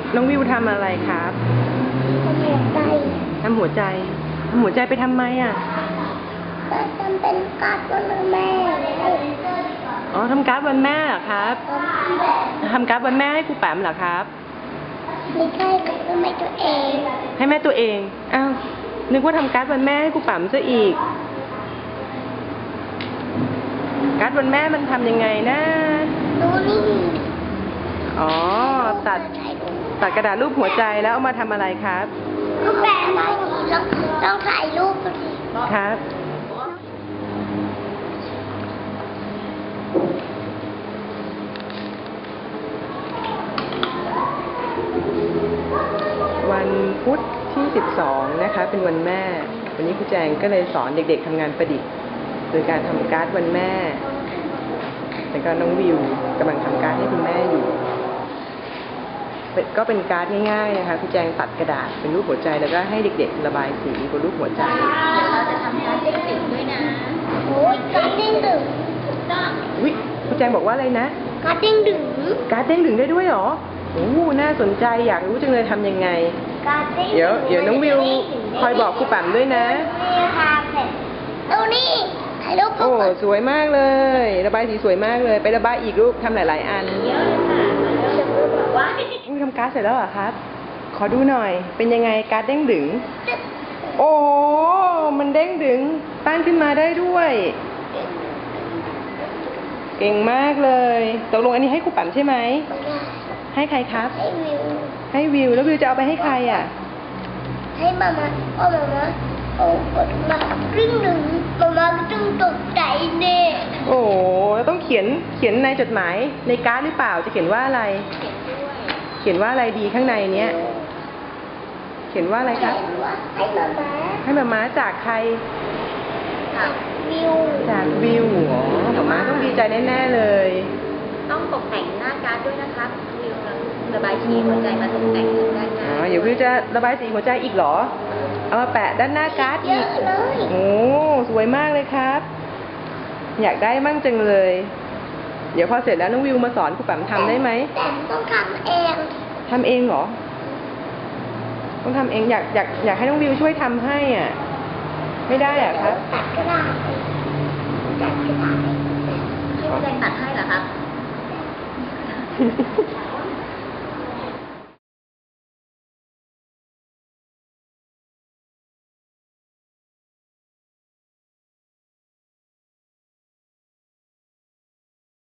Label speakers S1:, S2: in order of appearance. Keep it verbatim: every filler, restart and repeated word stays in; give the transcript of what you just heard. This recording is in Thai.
S1: น้องวิวทำอะไรครับ
S2: ทำหัวใจ
S1: ทำหัวใจทำหัวใจไปทำไมอ่ะ
S2: ก็ทำเป็นการ์ดวันแม่
S1: อ๋อทำการ์ดวันแม่เหรอครับทำการ์ดวันแม่ให้ครูแปมเหรอครับ
S2: ไม่ใช่ก็ไม่ตัวเอง
S1: ให้แม่ตัวเองอ้าวนึกว่าทำการ์ดวันแม่ให้ครูแปมซะอีกการ์ดวันแม่มันทำยังไงนะ
S2: ดูนี่
S1: อ๋อตัดตัดกระดาษรูปหัวใจแล้วเอามาทำอะไรครับ
S2: ก็แปะมาอย่างนี้ลองลองถ่ายรูปดูดิ
S1: ครับวันพุธที่สิบสองนะคะเป็นวันแม่วันนี้ครูแจงก็เลยสอนเด็กๆทำงานประดิษฐ์โดยการทำการ์ดวันแม่แล้วก็น้องวิวกำลังทำการ์ดให้คุณแม่อยู่ก็เป็นการ์ดง่ายๆนะคะครูแจงตัดกระดาษเป็นรูปหัวใจแล้วก็ให้เด็กๆระบายสีบนรูปหัวใจ
S2: เดี๋ยวเราจะทำการ์ดเด้งดึงด้วยนะโอ้ยการ์ดเด้งดึง
S1: วิครูแจงบอกว่าอะไรนะ
S2: การ์ดเด้งดึง
S1: การ์ดเด้งดึงได้ด้วยเหรอโอ้น่าสนใจอยากรู้จังเลยทำยังไงเดี๋ยวเดี๋ยวน้องวิวคอยบอกครูแปมด้วยนะ
S2: นี่ค่ะเสร็จดูนี่ถ่ายรูป
S1: โอ้สวยมากเลยระบายสีสวยมากเลยไประบายอีกรูปทำหลายๆอัน
S2: เยอะเลยค่ะจะพูดบอกว่า
S1: ทำการ์ดเสร็จแล้วเหรอครับขอดูหน่อยเป็นยังไงการ์ดเด้งดึงโอ้มันเด้งดึงตั้งขึ้นมาได้ด้วยเก่งมากเลยตกลงอันนี้ให้ครูแปมใช่ไหมให้ใครครับ
S2: ให้วิว
S1: ให้วิวแล้ววิวจะเอาไปให้ใครอ่ะ
S2: ให้มามาพ่อมามาโอ้กดมาครึ่งหนึ่งมามาก็ต้องตกใจเน่
S1: โอ้ต้องเขียนเขียนในจดหมายในการ์ดหรือเปล่าจะเขียนว่าอะไร
S2: เขียนด้วย
S1: เขียนว่าอะไรดีข้างในเนี้ยเขียนว่าอะไรครับ
S2: ให้มามา
S1: ให้มามาจากใคร
S2: จากวิว
S1: จากวิวอ๋อมามาต้องดีใจแน่ๆเลย
S2: ต้องตกแต่งหน้าการ์ดด้วยนะครับวิวระบายสีหัวใจมาตกแต่งด้านหน้า
S1: อ๋อเดี๋ยววิวจะระบายสีหัวใจอีกเหรอเอามาแปะด้านหน้าการ์ดอีกโอ้สวยมากเลยครับอยากได้มั่งจังเลยเดี๋ยวพอเสร็จแล้วน้องวิวมาสอนครูแปมทำได้ไหม
S2: แต่ต้องทำเอง
S1: ทำเองเหรอต้องทำเองอยากอยากอยากให้น้องวิวช่วยทำให้อ่ะไม่ได้อ่ะครับ
S2: ตัดก็ได้ตัดก็ได้ให้แดงตัดให้เหรอครับ